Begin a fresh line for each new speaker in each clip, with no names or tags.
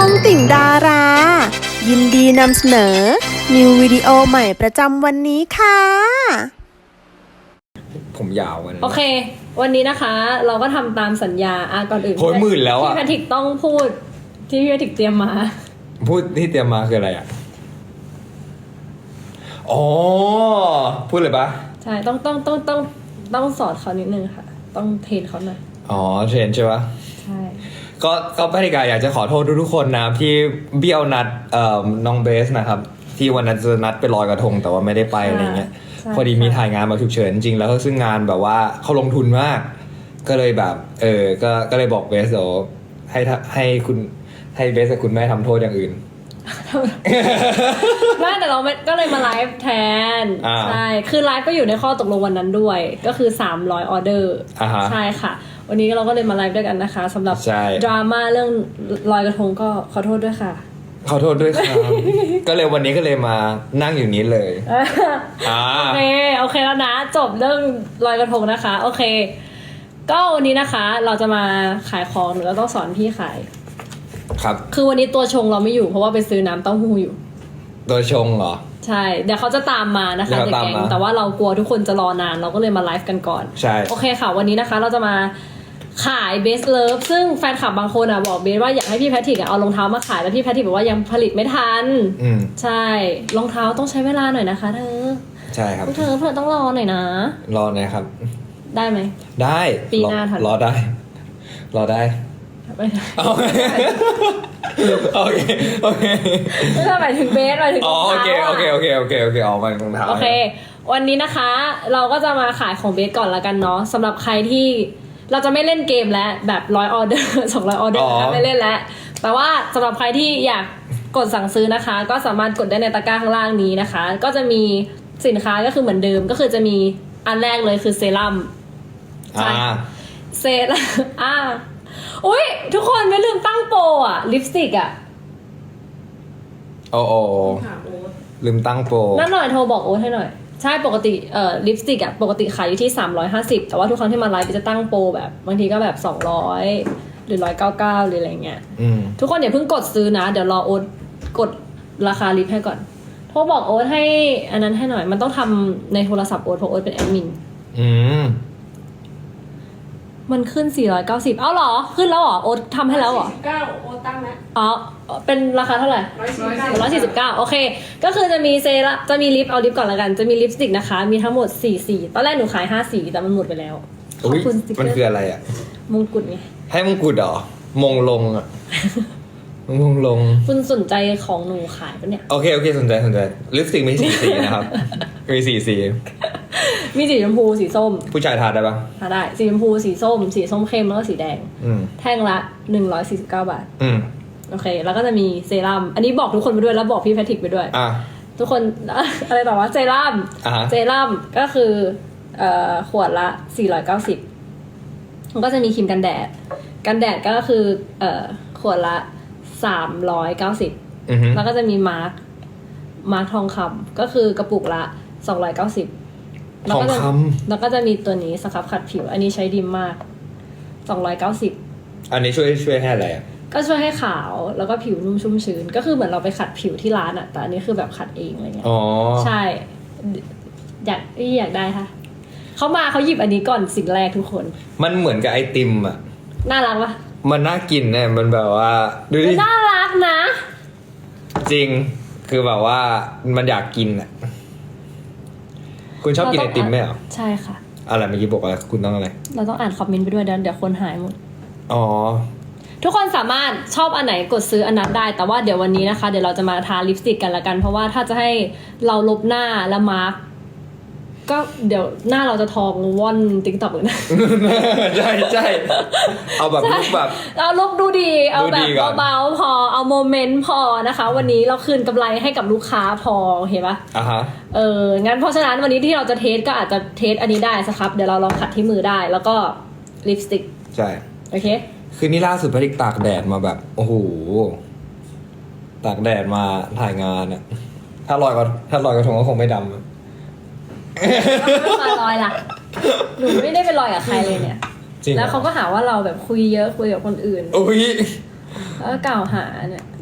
องติ่งดารา ยินดีนำเสนอ นิววิดีโอใหม่ประจำวันนี้ค่ะ
ผมยาววันนี้
โอเค วันนี้นะคะ เราก็ทำตามสัญญาก่อนอื่น
โหยหมื่นแล้วอะ
พี่แพทริกต้องพูดที่พี่แพทริกเตรียมมา
พูดที่เตรียมมาคืออะไรอ่ะอ๋อพูดเลยปะ
ใช่ต้องสอนเขานิดนึงค่ะ ต้องเทรนเขาหน่อย
อ๋อเทรนใช่ปะ
ใช่
ก็พนิกาอยากจะขอโทษทุกๆคนนะที่เบี้ยวนัดน้องเบสนะครับ ที่วันนั้นจะนัดไปลอยกระทงแต่ว่าไม่ได้ไปอะไรเงี้ยพอดีมีถ่ายงานมาฉุกเฉินจริงแล้วก็ซึ่งงานแบบว่าเขาลงทุนมาก ก็เลยแบบก็เลยบอกเบสเดี๋ยวให้คุณให้เบสกับคุณแม่ทำโทษอย่างอื่น
ไม่แต่เราไม่ก็เลยมาไลฟ์แทน ใช่คือไลฟ์ก็อยู่ในข้อตกลงวันนั้นด้วย ก็คือ300ออเดอร์
อ่าฮะ
ใช่ค่ะ วันนี้เราก็เลยมาไลฟ์ด้วยกันนะคะสำหรับ
ใช่
ดราม่าเรื่องลอยกระทงก็ขอโทษด้วยค่ะ
ขอโทษด้วยครับ ก็เลยวันนี้ก็เลยมานั่งอยู่นี้เลยอ่า
โอเคแล้วนะ จบเรื่องลอยกระทงนะคะ โอเค ก็วันนี้นะคะ เราจะมาขายของหรือเราต้องสอนพี่ขาย
ครับ
คือวันนี้ตัวชงเราไม่อยู่เพราะว่าไปซื้อน้ำเต้าหู้อยู่
ตัวชงเหรอ
ใช่เดี๋ยวเขาจะตามมานะคะ
เดี๋ยว
เด็ก
ตาม
แก๊ง
มา
แต่ว่าเรากลัวทุกคนจะรอนานเราก็เลยมาไลฟ์กันก่อน
ใช่
โอเคค่ะ วันนี้นะคะเราจะมาขายเบสเลิฟซึ่งแฟนคลับบางคนบอกเบสว่าอยากให้พี่แพทริกเอารองเท้ามาขายแล้วพี่แพทริกบอกว่ายังผลิตไม่ทัน
อืม
ใช่รองเท้าต้องใช้เวลาหน่อยนะคะเธอ
ใช่ครับ
เธอต้องรอหน่อยนะ
รอหนะครับ
ได้ไหม
ได้
ปีหน้าทัน
รอได้ รอได้
ไม่ได้
โอเคโอเคโอเค
ไม่ใช่หมายถึงเบสหมายถึงร
อ๋อ
อง
โอ
เท้า
เคโอเคโอเคโอเคออกมารองเท้า
โอเค วันนี้นะคะ เราก็จะมาขายของเบสก่อนละกันเนาะสำหรับใครที่เราจะไม่เล่นเกมแล้วแบบ100ออเดอร์200ออเดอร์ไม่เล่นแล้วแต่ว่าสำหรับใครที่อยากกดสั่งซื้อนะคะ ก็สามารถกดได้ในตะกร้าข้างล่างนี้นะคะ ก็จะมีสินค้าก็คือเหมือนเดิมก็คือจะมีอันแรกเลยคือเซรั่ม
อ่า
เซรั่มอุ้ยทุกคนไม่ลืมตั้งโปรลิปสติก
โอ้โอลืมตั้งโปร
นั่นหน่อยโทรบอกโอ๊ตให้หน่อยใช่ปกติลิปสติกปกติขายอยู่ที่350แต่ว่าทุกครั้งที่มาไลฟ์จะตั้งโปรแบบบางทีก็แบบ200หรือ199หรืออะไรเงี้ย
อืม
ทุกคนอย่าเพิ่งกดซื้อนะเดี๋ยวรอโอ๊ตกดราคาลิปให้ก่อนโทรบอกโอ๊ตให้อันนั้นให้หน่อยมันต้องทำในโทรศัพท์โอ๊ตเพราะโอ๊ตเป็นแอดมิน
อืม
มันขึ้น490เอ้าเหรอขึ้นแล้วเหรอโอ๊ตทำให้แล้วเหรอ
49โอตั้งแล้ว
อ๋อเป็นราคาเท่าไหร่ 149โอเคก็คือจะมีเซรั่มจะมีลิปเอาลิปก่อนละกันจะมีลิปสติกนะคะมีทั้งหมด4สีตอนแรกหนูขาย5สีแต่มันหมดไปแล้วขอบ
อุ้ย
คุณสติกเก
มัน
อ
คือ
ร์
อะไรอ่ะ
มงกุฎไง
ให้มงกุฎเหรอ มงลงอ่ะ มงลง
คุณสนใจของหนูขายปะเนี่ย
โอเคสนใจลิปสติกมี4 สีนะครับ มี4 สี
มีสีชมพูสีส้ม
ผู้ชายทาได้ปะ
หาได้สีชมพูสีส้มสีส้มเข้มแล้วก็สีแดง
อืม
แท่งละ149บาท
อืม
โอเค แล้วก็จะมีเซรั่มอันนี้บอกทุกคนไปด้วยแล้วบอกพี่แพทริกไปด้วย
อ่ะ
ทุกคน อะไรต่อว่าเซรั่ม
อ่าฮะ
เซรั่มก็คือขวดละ490มันก็จะมีครีมกันแดดก็คือขวดละ390
อือฮึ
แล้วก็จะมีมาร์คทองคำก็คือกระปุกละ290
ทองค
แล้วก็จะมีตัวนี้สครับขัดผิว อันนี้ใช้ดีมาก290
อันนี้ช่วยให้อะไรอ่ะ
ก็ช่วยให้ขาวแล้วก็ผิวนุ่มชุ่มชื้นก็คือเหมือนเราไปขัดผิวที่ร้านอะแต่อันนี้คือแบบขัดเองอะไรเงี้ย
อ๋อ
ใช่อยากได้ค่ะเขามาเขาหยิบอันนี้ก่อนสิ่งแรกทุกคน
มันเหมือนกับไอติมอ่ะ
น่ารักปะ
มันน่ากินเนี่ยมันแบบว่าดูดิ
น่ารักนะ
จริง คือแบบว่ามันอยากกินอ่ะ คุณชอบกินไอติมไหมเหรอ
ใช่ค่ะ
อะไรเมื่อกี้บอกว่าคุณต้องอะไร
เราต้องอ่านคอมเมนต์ไปด้วยเดี๋ยวคนหายหมด
อ๋อ
ทุกคนสามารถชอบอันไหนกดซื้ออันนั้นได้ แต่ว่าเดี๋ยววันนี้นะคะเดี๋ยวเราจะมาทาลิปสติกกันละกัน เพราะว่าถ้าจะให้เราลบหน้าและมาร์กก็เดี๋ยวหน้าเราจะทองว่อนติ๊กต็อกเลยนะ
ใช่เอาแบบลุกแบบ
เอาลุกดูดีเอาแบ
ดูดี
บ
ก่อน
เบาๆพอเอาโมเมนต์พอนะคะ วันนี้เราคืนกำไรให้กับลูกค้าพอเห็นปะ
อ่ะฮะ
งั้นเพราะฉะนั้นวันนี้ที่เราจะเทสก็อาจจะเทสอันนี้ได้สครับเดี๋ยวเราลองขัดที่มือได้ แล้วก็ลิปสติก
ใช่
โอเค
คือนี่ล่าสุดพริกตากแดดมาแบบ โอ้โห ตากแดดมาถ่ายงานอะถ้าลอยกระทงก็คงไม่ดำอะ
ไม่มาลอยล่ะหนูไม่ได้ไปลอยกับใครเลยเนี่ย
จริงหรอ
แล้วเขาก็หาว่าเราแบบคุยเยอะคุยกับคนอื่น
อุ้ย
แล้วก็กล่าวหาเนี่ย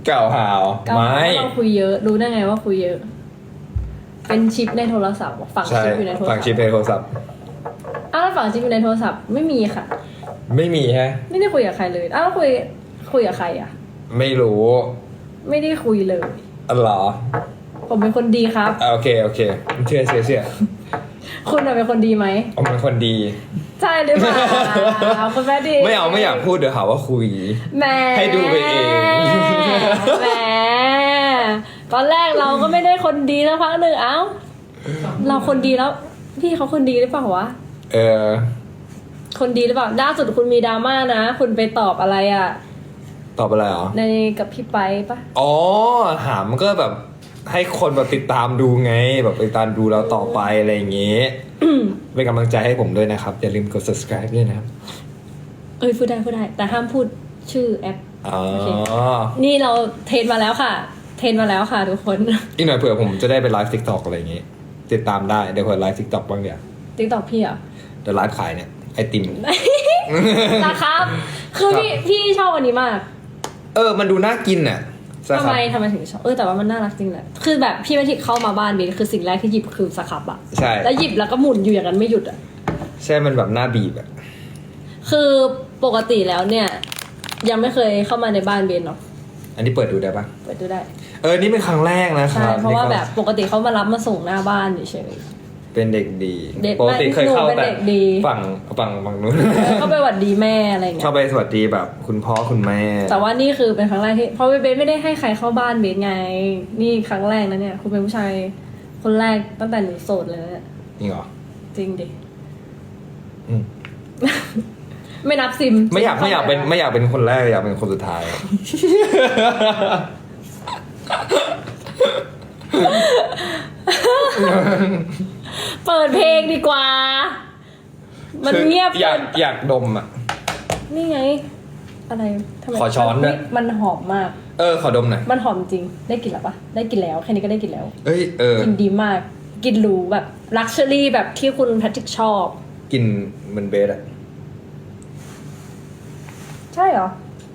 เก่าหาว
เกา
ไม่
เราคุยเยอะรู้ได้ไงว่าคุยเยอะ เป็นชิปในโทรศัพท์ฝัง
ใช่
ชิปอยู่ในโทรศัพท์
ฝั่งชิปในโทรศัพท์
อ้าวแล้วฝังชิปอยู่ในโทรศัพท์ไม่มีค่ะ
ไม่มีฮะ
ไม่ได้คุยกับใครเลยอ้าวแล้วคุยกับใครอ่ะ
ไม่รู้
ไม่ได้คุยเลย
อ๋อเหรอ
ผมเป็นคนดีครับ
โอเคเชื่อ
คุณน่ะเป็นคนดีไหม
ผมเป็นคนดี
ใช่หรือเปล่าคุณแม่ดี
ไม่อยากพูดเดี๋ยวหาว่าคุย
แหม
ให้ดูไปเอง
แหมตอนแรกเราก็ไม่ได้คนดีสักพักหนึ่งเอ้าเราคนดีแล้ว พี่เขาคนดีหรือเปล่าวะ
เออ
คนดีหรือเปล่าล่าสุดคุณมีดราม่านะ คุณไปตอบอะไรอ่ะ
ตอบอะไรเหรอ
ในกับพี่ไปปะ
อ๋อหามก็แบบให้คนแบบติดตามดูไง แบบติดตามดูเราต่อไปอะไรอย่างเงี้ย เป็นกำลังใจให้ผมด้วยนะครับ อย่าลืมกด subscribe ด้วยนะครับ
เอ้ยพูดได้แต่ห้ามพูดชื่อแอป
อ๋อ
โอเค นี่เราเทรนมาแล้วค่ะ เทรนมาแล้วค่ะทุกคน
อีกหน่อยเผื่อผมจะได้ไปไลฟ์ TikTok อะไรอย่างงี้ ติดตามได้เดี๋ยวเผื่อไลฟ์ TikTok บ้างเดี๋ยว
ติ๊กตอกพี่เหรอ
เดี๋ยวไลฟ์ขายเนี่ยไอติม
นะครับ คือพี่ชอบอันนี้มาก
มันดูน่ากินน่ะสครับ
ทำไมถึงชอบแต่ว่ามันน่ารักจริงแหละคือแบบพี่แมทิกเข้ามาบ้านเบนคือสิ่งแรกที่หยิบคือสครับอะ
ใช่
แล้วหยิบแล้วก็หมุนอยู่อย่างนั้นไม่หยุดอะ
ใช่มันแบบน่าบีบอะ
คือปกติแล้วเนี่ย ยังไม่เคยเข้ามาในบ้านเบนหรอก
อันนี้เปิดดูได้ปะ
เปิดดูได้
นี่เป็นครั้งแรกนะค
ใช่
รับ
เพราะว่า
นี่ก็
แบบปกติเขามารับมาส่งหน้าบ้านเฉย
เป็นเด็กดี
เด็ก
ปกติเคยเข้า
หนูเป็น
แต่
เด็กดี
ฝั่งนู้น
ๆเขาไปหวัดดีแม่อะไรอย่างเงี้
เข้าย ไปสวัสดีแบบคุณพ่อคุณแม่
แต่ว่านี่คือเป็นครั้งแรกที่เพราะเบนไม่ได้ให้ใครเข้าบ้านเบนไง นี่ครั้งแรกนะเนี่ยคุณเป็นผู้ชายคนแรกตั้งแต่หนูโสดเลยนะเนี่ย
จริงเหรอ
จริงดิ
อืม
ไม่นับซิม
ไม่อยากเป็นคนแรกอยากเป็นคนสุดท้าย
เปิดเพลงดีกว่า มันเงียบ
อยากดมอ่ะ
นี่ไง อะไรทำไม
ขอช้อนด้วย
มันหอมมาก
ขอดมหน่อย
มันหอมจริง ได้กลิ่นแล้วปะได้กลิ่นแล้ว แค่นี้ก็ได้กลิ่นแล้ว กลิ่นดีมาก กลิ่นหรูแบบลักชัวรี่แบบที่คุณแพทริกชอบ
กินเหมือนเบสอ่ะ
ใช่เหรอ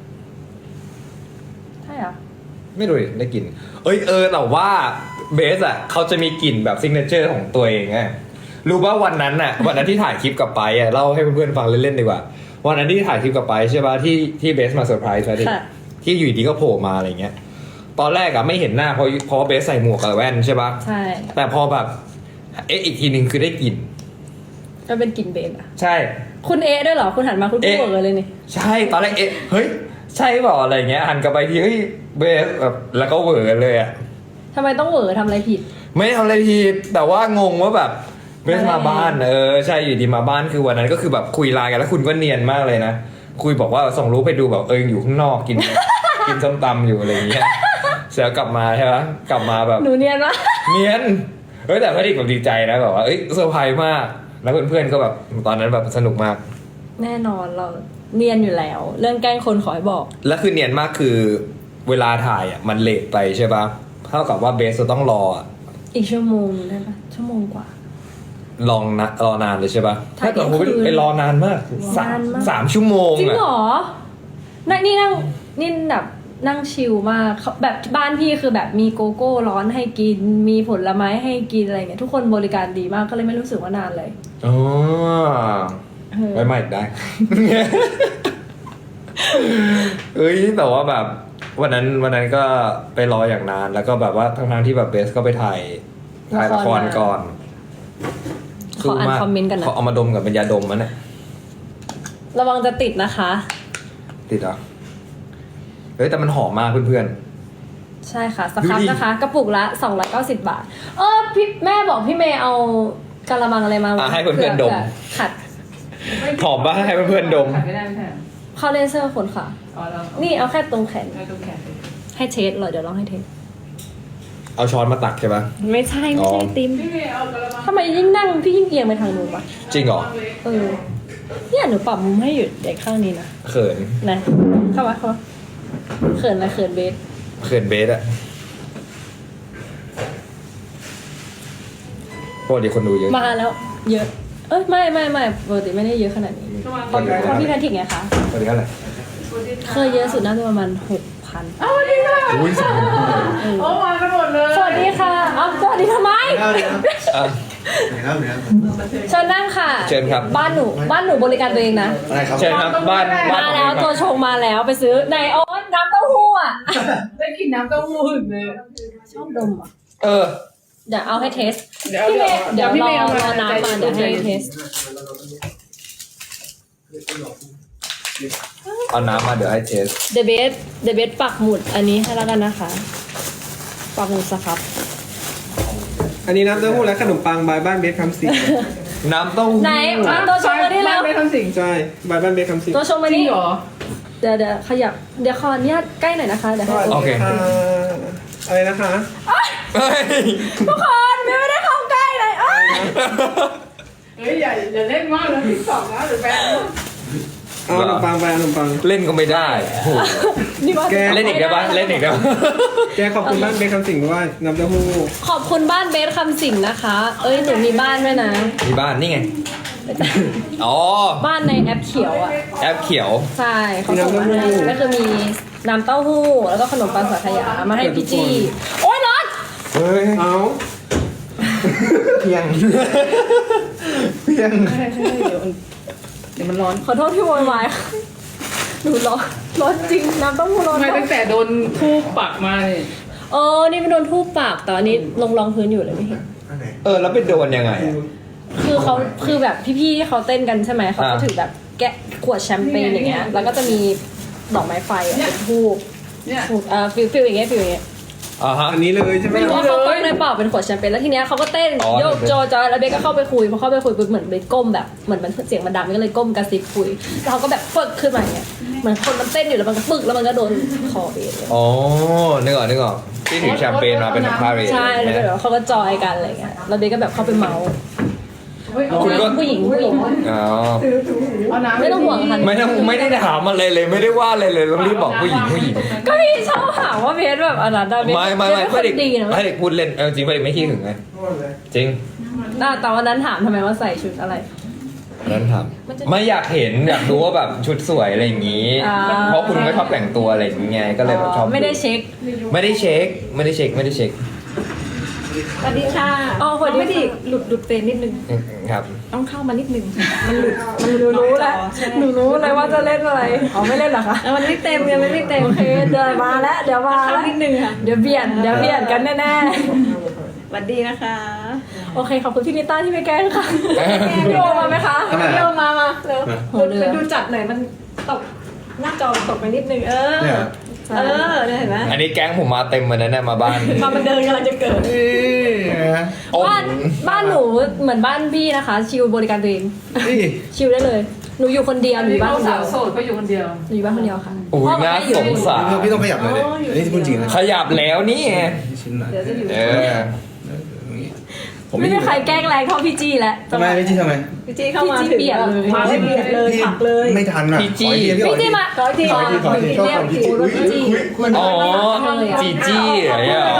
ใช่เหรอ
ไม่รู้ดิได้กลิ่นแต่ว่าเบสอ่ะเขาจะมีกลิ่นแบบซิกเนเจอร์ของตัวเองไงรู้ป่ะวันนั้นที่ถ่ายคลิปกับไปอ่ะเล่าให้เพื่อนๆฟังเล่นๆดีกว่าวันนั้นที่ถ่ายคลิปกับไปใช่ป่ะที่เบสมาเซอร์ไพรส์ใช่ไหม
ค่ะ
ที่อยู่ดีก็โผล่มาอะไรเงี้ยตอนแรกอะไม่เห็นหน้าเพราะว่าเบสใส่หมวกกับแว่นใช่ป่ะ
ใช่
แต่พอแบบอีกทีนึงคือได้กลิ่น
ก็เป็นกลิ่นเบนอะ
ใช่
คุณด้วยเหรอ คุณหันมาคุณพูดเลยนี่
ใช่ตอนแรกเฮ้ยใช่เปล่าอะไรเงี้ยหันกลับไปทีเฮ้ยเบสแบบแล้วก็เหวอเลยอะ
ทำไมต้องเหวอทำอะไรผิด
ไม่ทำอะไรผิดแต่ว่างงว่าแบบเบสมาบ้านใช่อยู่ดีมาบ้านคือวันนั้นก็คือแบบคุยไลน์กันแล้วคุณก็เนียนมากเลยนะคุยบอกว่าส่งรูปไปดูแบบอยู่ข้างนอกกิน กินส้มตำอยู่อะไรอย่างเงี้ยเสร็จแล้วกลับมาใช่ไหมกลับมาแบบ
หนูเนียนวะ
เนียนแต่พอดีแบบดีใจนะแบบว่าเซอร์ไพรส์มากแล้วเพื่อนๆก็แบบตอนนั้นแบบสนุกมาก
แน่นอนเราเนียนอยู่แล้ว เรื่องแกล้งคนขอให้บอก
แล้วคือเนียนมากคือเวลาถ่ายมันเลทไปใช่ปะเท่ากับว่าเบสจะต้องรอ
อีกชั่วโมงได้ปะชั่วโมงกว่า
รอนานเลยใช่ปะ
ถ่าย
ถ้าเกิดผม
เที่ยงคืน
ไปรอนานมาก
นานมาก
สามชั่วโมง
จริง
อะ
เหรอนี่แบบนั่งชิลมากเขาแบบบ้านพี่คือแบบมีโกโก้ร้อนให้กิน มีผลไม้ให้กินอะไรเงี้ยทุกคนบริการดีมากก็เลยไม่รู้สึกว่านานเลย
อ๋อ
เออ
ไว้ใหม่ได้ แต่ว่าแบบวันนั้นก็ไปรออย่างนานแล้วก็แบบว่าทั้งที่แบบเบสก็ไปถ่ายละครก่อน
ขออ่านคอมเมนต์กันนะ
เขาเอามาดมกับเป็นยาดมมันเนี่ย
ระวังจะติดนะคะ
ติดเหรอแต่มันหอมมากเพื่อน
ใช่ค่ะส
ดู
ครับ
ดิ
นะคะ กระปุกละ290 บาทพี่แม่บอกพี่เมย์เอากะละมังอะไรมา
ให้เพื่อนๆดม
ผื่ขัด
หอมปะให้เพื่อนๆดม
ขัดไม่ได้ไม่ใช่เหรอ
เข้าเลเซอร์ขนค่ะ
อ๋อเรา
นี่เอาแค่ตรงแขน
เอาตรงแขน
ให้เทสเหรอเดี๋ยวลองให้เทส
เอาช้อนมาตักใช่ปะ
ไม่ใช่ติม
พี่เมย์เอากระมัง
ทำไมยิ่งนั่งพี่ยิ่งเอียงไปทางนู้นวะ
จริงเหรอ
เนี่ยหนูปรับมุมให้อยู่เด็กข้างนี้นะ
เขิน
นะเข้ามาเขินอะไรเขินเบส
เขินเบสอะปกติคนดูเยอะ
มาแล้ว เยอะ ไม่ปกติไม่ได้เยอะขนาดนี้
กระมัง
เพราะพี่แพทริกไงคะ
ปกติเท่าไหร่
เคยเยอะสุดน่าจะประมาณ6,000
เอาดีค่ะ
อุ้ยสอง
โอ้มากันหมดเลย
สวัสดีค่ะเอ้าสวัสดีทำไม
อ่ะ
เชิญนั่งค่ะ
เชิญครับ
บ้านหนูบริการตัวเองนะ
อะไรครับ
เชิญครับบ้าน
มาแล้วตัวชงมาแล้วไปซื้อในโอ๊ตน้ำเต้าหู้อ่ะ
ได้กินน้ำเต้าหู้ถึงเลย
ชอบดมอ่ะ
เออ
เดี๋ยวเอาให้เทส
เดี๋ยว
พี่เมย์เดี๋ยว
พี่
ร
เมย์
อ
เอา
รอน้ำมาเดี๋ยวให้เทส
เอาน้ำมาเดี๋ยวให้เทส
เดเบสปักหมุดอันนี้ให้แล้วกันนะคะปักหมุดสครับ
อันนี้น้ำเต้าหู้และขนมปังบายบ้านเบสคำสิง
น้ำเต้าหู้
ไหนมาตัวชงมาที่แล้ว
ไม่ทำสิ่ง
ใช่บายบ้านเบสคำสิง
ตัวชงมา
จริง
นี่
เหรอ
เดี๋ยวขยับเดี๋ยวขออนุญาตใกล้หน่อยนะคะเดี๋ยวให้
โอเค
อะไรนะคะ
เฮ้ย
ทุกคนไม่ได้เข้าใกล้เลยอ้าย
เฮ้ยอย่าเล่นมากนะติ๊กต็อกนะหรือแฟน
เอาขนมปังไปเอาขนมปัง
เล่นก็ไม่ได้โอ้โห
นี่ว่า
แก
เล่นอีกได้ปะเล่นอีกได้ปะ
แกขอบคุณบ้านเบสคำสิงด้วยน้ำเต้าหู้
ขอบคุณบ้านเบสคำสิงนะคะ เอ้ยหนูมีบ้านด้วยนะ
มีบ้านนี่ไง อ๋อ
บ้านในแอปเขียวอ่ะ
แอปเขียว
ใช่เขาส่งมาให้ก็คือมีน้ำเต้าหู้แล้วก็ขนมปังสังขยามาให้พี่จี้โอ๊ยร้อน
เฮ้ย
เอา
เพียง เพียง
เดี๋ยวมันร้อน
ขอโทษที่โวยวายค่ะหนูร้อนจริงน้ำเต้าหู้ร้อน
ไม่
มา
ตั้
ก
งแต่โดนทูบปักมาเนี่ย
นี่ไม่โดนทูบปากแต่อันนี้ลงรองพื้นอยู่เลยไม่เห็น
แล้วไปโดนยังไงอะ
คือเขาคือแบบพี่ๆที่เขาเต้นกันใช่ไหมเขาก็
อ่า
ถือแบบแกะขวดแชมเปญอย่างเงี้ยแล้วก็จะมีดอกไม้ไฟอะเป็นทูบ
เนี่ย
ฟิลอย่างเงี้ยฟิลอย่างเงี้ย
อ่าฮะ
อันนี้เลยใช่ไหม
ไม่รู้ว่าเขาต้มในเปล่าเป็นขวดแชมเปญแล้วทีเนี้ยเขาก็เต้น
อ๋อ
โยกโจจอยแล้วเบสก็เข้าไปคุยพอเข้าไปคุยปุ๊บเหมือนเบสก้มแบบเหมือนมันเสียงมันดังก็เลยก้มกระซิบคุยแล้วเขาก็แบบฟึกขึ้นมาอย่างเงี้ยเหมือนคนมันเต้นอยู่แล้วมันก็ปึกแล้วมันก็โดนคอเบสเลย
อ๋อนึกออกที่ถือแชมเปญมาเป็นพาเรด
ใช่แล้วแบบเขาก็จอยกันอะไรเงี้ยแล้วเบสก็แบบเข้าไปเมาส์
เฮ้ยเอา
คุณก็
ผู้หญิง
อ๋อ
เอาน้ำ
ไม่ต้องห่วงค่ะ
ไม่ได้ถามอะไรเลยไม่ได้ว่าอะไรเลยต้องรีบบอกผู้หญิง
ก็พี่ชอบหาว่าเบสแบบอะไรนะเบส
ไม่
เบสเป็นคนดีนะ
ไม่เด็กพูดเล่นจริงไม่เด็กไม่ขี้หึงไงจริง
แต่วันนั้นถามทำไมว่าใส่ชุดอะไร
นั้นถามไม่อยากเห็นอยากดูว่าแบบชุดสวยอะไรอย่างนี้
อ่า
เพราะคุณก็ชอบแต่งตัวอะไรอย่างเงี้ยก็เลยแบบชอบ
ไม่ได้เช็ค
ไม่ได้เช็ค
สวัสดีค่ะอ๋อสวัสดีค่ะหลุดเฟรนนิดนึง
ครับ
ต้องเข้ามานิดนึงมันรู้แล้วหนูรู้เลยว่าจะเล่นอะไรอ๋อไม่เล่นเหรอคะมันไม่เต็มยังไม่เต็มโอเคเดี๋ยวมาแล้วเดี๋ยวมาแล้วนิดนึงค่ะเดี๋ยวเบียดกันแน่ๆ
สวัสดีนะคะ
โอเคขอบคุณพี่นิต้าที่ไม่แกล้งค่ะพี่โอมาไหมคะพี่โอมาเร็วไปดูจัดหน่อยมันตกหน้าจอตกไปนิดนึง
เนี่ย
เนี่ยเห็นไหม
อันนี้แก๊งผมมาเต็มมาแล้วเนี่ยมาบ้าน
ความบันเทิงกำลังจะเกิด
โอ้
บ้านหนูเหมือนบ้านพี่นะคะ ชิลบริการตัวเอง
นี่
ชิลได้เลยหนูอยู่คนเดียวหนูอยู่บ้าน
เขา
คนเดี
สา
ยว
วโสดเขาอยู่คนเดียว
หนูอยู่บ้านคนเดียวค่ะ
โอ้ยน่าสงสาร
พี่ต้องขยับหน่อยเลยอันนี้พูดจริงนะ
ขยับแล้วนี่ไง
ชิ้นหน่อย
เดี๋ยวจะอยู่
เออ
ผม
ไม่มีใครแกล้งแรงเท่าพี่จี้แล้ว
ทำไมไม่จี้ทำไม
พี่จี้เข้ามา
พี่จี้
ถึง
เปลี่ยนเลย
มาได้เปลี่ยนเลยผักเลย
ไม่ทันอ่ะ
พี่จี้
ขออีกที
พี่จี้มาขอที
ขออีกทีขออีกทีชอบ
เรียก
คนพี่
พี่
จี้
จี้พี่จี้
อ๋อจีจี้อะไรอ่ะ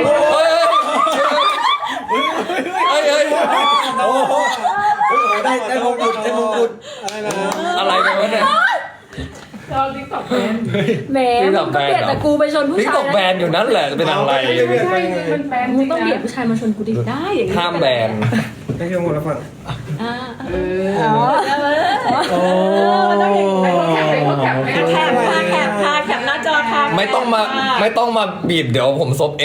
เฮ้ย
โอ้โหได้มงกุฎได้มงกุฎ
อะไรกันวะเนี่ย
เราติ๊กต็อกแฟน
แหมมึงก็เปลี่ยนแต่กูไปชนผู้
นี่
ชาย
ตกแบนอยู่นั่นแหละจะเป็นอะไร
ไม่ใช่มันแฟนจ
มึ
ริ
ง
ง
ต้องเบียด
นะ
ผู้ชายมาชนกูดิได้อย่างนี้
ห้ามแบน
ได้เครื่องหมดแล้วฝั่ง
อ่า
เออ
อ๋อ
มันต้องอย่างนี้เขาแคปไปเขาแคปไป
แคปแคปหน้าจอค่ะ
ไม่ต้องมาบีบเดี๋ยวผมซบเอง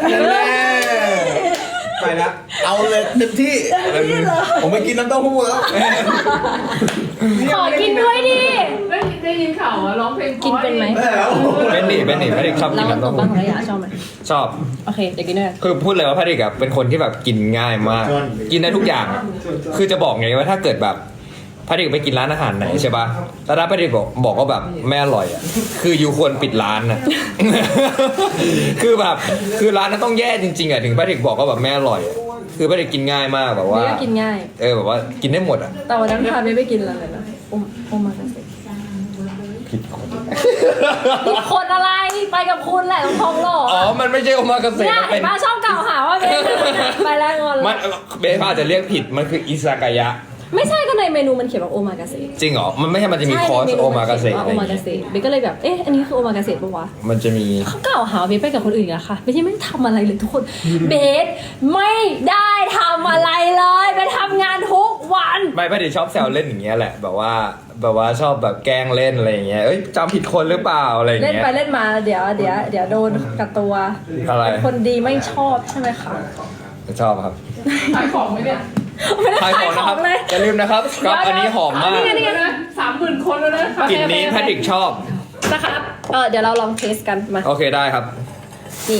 ไปละ
เอาเลยเต็มที่ผมไปกินน้ำเต้าหู้แล้ว
ขอกินด้วยดิ
ได้ยินข่าวว่าร้องเพลง
กินเป็นไหม
เป็นหนีไม่ได้ชอบ
แล้
กิ
วน
น้ำ
ขน
เต้าม
ปั
หู้
งของระยะชอบไหม
ชอบ
โอเคเดี๋ยวกินด้วยกัน
คือพูดเลยว่าพระเด็กอะเป็นคนที่แบบกินง่ายมาก กินได้ทุกอย่างอะคือจะบอกไงว่าถ้าเกิดแบบพระเด็กไปกินร้านอาหารไหนใช่ป่ะแล้วถ้าพระเด็กบอกว่าแบบไม่อร่อยอะคืออยู่ควรปิดร้านนะ คือแบบคือร้านนั้นต้องแย่จริงๆอะถึงพระเด็กบอกว่าแบบไม่อร่อยอะคือพระเด็กกินง่ายมากแบบว่า
นี่ก็กินง่าย
แบบว่ากินได้หมดอะ
แต่วันนั้นพาเบไปกินอะไรนะโอมากาเสะ
ผิดคน
นี่คนอะไรไปกับคุณแหละต้องทองหล่อ
อ๋อมันไม่ใช่โอมากาเสะ
เนี่ย
มันเป็
เห็
น
นมาชอบกล่าวหาว่าเบไปแล้วงอน
มันเบสอาจจะเรียกผิดมันคืออิซากายะ
ไม่ใช่ก็ในเมนูมันเขียนว่าโอมากาเสะ
จริงเหรอมันไม่ใช่มันจะมีคอร์สโอมากาเสะ
โอ
อะไรอย่าง
มากา
เงี้ย
เสะเบสก็เลยแบบเอ๊ะอันนี้คือโอมากาเสะปะวะ
มันจะมี
เขากล่าวหาเบสไปกับคนอื่นอะค่ะเบสยังไม่ทำอะไรเลยทุกคนเบสไม่ได้ทำอะไรเลยไปทำงานทุกวัน
ไม่พอดีชอบแซวเล่นอย่างเงี้ยแหละแบบว่าชอบแบบแกล้งเล่นอะไรอย่างเงี้ยเอ้ยจำผิดคนหรือเปล่าอะไรอย่าง
เล่น
เงี้ย
ไปเล่นมาเดี๋ยวโดนกับตัว
อะไร
คนดีไม่ชอบใช่ไหมคะ
ชอบครับ
ขายของไหมเนี่ย
ไม่ได้
ขาย
ขา
ข
ย
อง
ข
นะค
อ
รับ
งเลย
อย่าลืมนะครับสครับอันนี้หอมมาก
นี่ไง
นะ30,000 คนแล้วนะ
กลิ่นนี้แพทริกชอบ
นะครับเดี๋ยวเราลองเทสกันมา
โอเคได้ครับ
นี่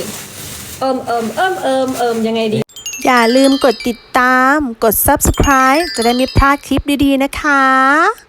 ยังไงดี
อย่าลืมกดติดตาม กด subscribe จะได้ไม่พลาดคลิปดีๆนะคะ